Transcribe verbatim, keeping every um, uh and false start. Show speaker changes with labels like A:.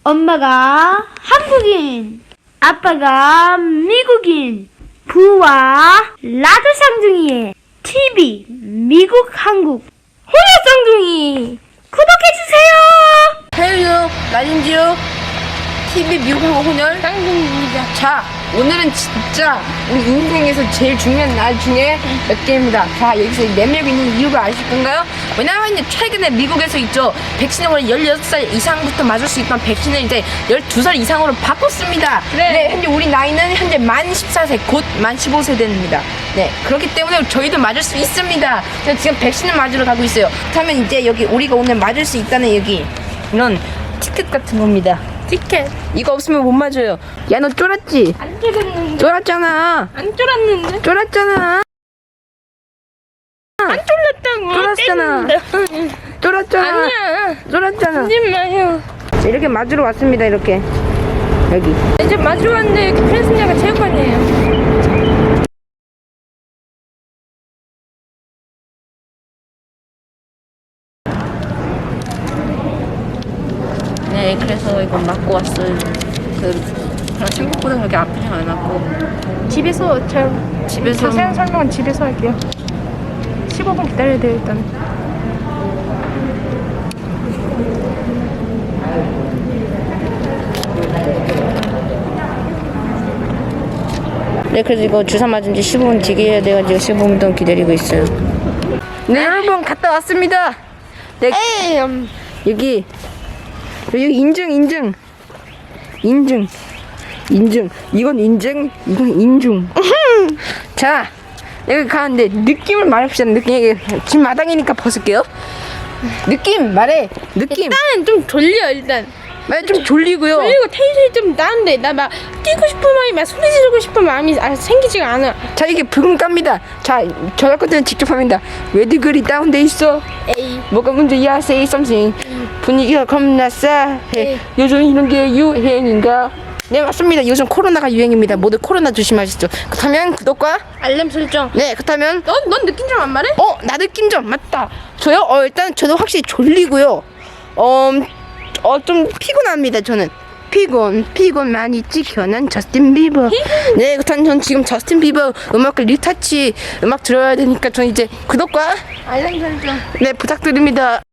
A: 엄마가 한국인, 아빠가 미국인, 부와 라드 쌍둥이의 티비 미국 한국 혼혈 쌍둥이 구독해주세요.
B: 해요 라딘지요 티비 미국 한국 혼혈
A: 쌍둥이입니다.
B: 자, 오늘은 진짜 우리 인생에서 제일 중요한 날 중에 몇 개입니다. 자, 여기서 내밀고 있는 이유가 아실 건가요? 왜냐면 이제 최근에 미국에서 있죠, 백신을 열여섯 살 이상부터 맞을 수 있던 백신을 이제 열두 살 이상으로 바꿨습니다.
A: 네.
B: 네, 현재 우리 나이는 현재 만 십사 세, 곧 만 십오 세 됩니다. 네, 그렇기 때문에 저희도 맞을 수 있습니다. 제가 지금 백신을 맞으러 가고 있어요. 그러면 이제 여기 우리가 오늘 맞을 수 있다는 여기 이런 티켓 같은 겁니다.
A: 티켓
B: 이거 없으면 못 맞아요. 야, 너 쫄았지?
A: 안 쫄았는데.
B: 쫄았잖아.
A: 안 쫄았는데.
B: 쫄았잖아.
A: 안 쫄았다고.
B: 쫄았잖아. 쫄았잖아.
A: 아니야.
B: 쫄았잖아.
A: 하지 마요.
B: 자, 이렇게 맞으러 왔습니다. 이렇게 여기.
A: 이제 맞으러 왔는데 펜스냐가 체육관이에요.
B: 네, 그래서 이거 맞고 왔어요. 그 그냥 생각보다 그렇게 아프지 않았고.
A: 집에서 저
B: 집에서
A: 자세한 설명은 집에서 할게요. 십오 분 기다려야 돼요 일단.
B: 네, 그래서 이거 주사 맞은 지 십오 분 뒤게 해야 돼가지고 십오 분 동안 기다리고 있어요. 네, 여러분 갔다 왔습니다. 네,
A: 에이, 음,
B: 여기 여기 인증 인증 인증 인증 이건 인증 이건 인중. 자, 여기 가는데 느낌을 말해봅시다. 느낌. 여기 집 마당이니까 벗을게요. 느낌 말해. 느낌
A: 일단 좀 졸려 일단.
B: 말해. 좀 졸리고요.
A: 졸리고 텐션이 좀 나는데 나 막 뛰고 싶은 마음이 막 소리 지르고 싶은 마음이 아, 생기지가 않아.
B: 자, 이게 붉은 깝니다. 자, 저 할 것들은 직접 합니다. 왜들 그리 다운돼 있어?
A: 에이.
B: 뭐가 문제야? Say something. 분위기가 겁나 싸해.
A: 에이.
B: 요즘 이런 게 유행인가? 네, 맞습니다. 요즘 코로나가 유행입니다. 모두 코로나 조심하시죠. 그렇다면 구독과
A: 알람 설정.
B: 네, 그렇다면
A: 넌, 넌 느낀 점 안 말해?
B: 어, 나 느낀 점 맞다. 저요? 어, 일단 저도 확실히 졸리고요. 어, 어, 좀 피곤합니다. 저는 피곤, 피곤 많이 찍혀. 난 저스틴 비버. 네, 그렇다면 전 지금 저스틴 비버 음악을 리타치 음악 들어야 되니까 전 이제 구독과
A: 알람 설정.
B: 네, 부탁드립니다.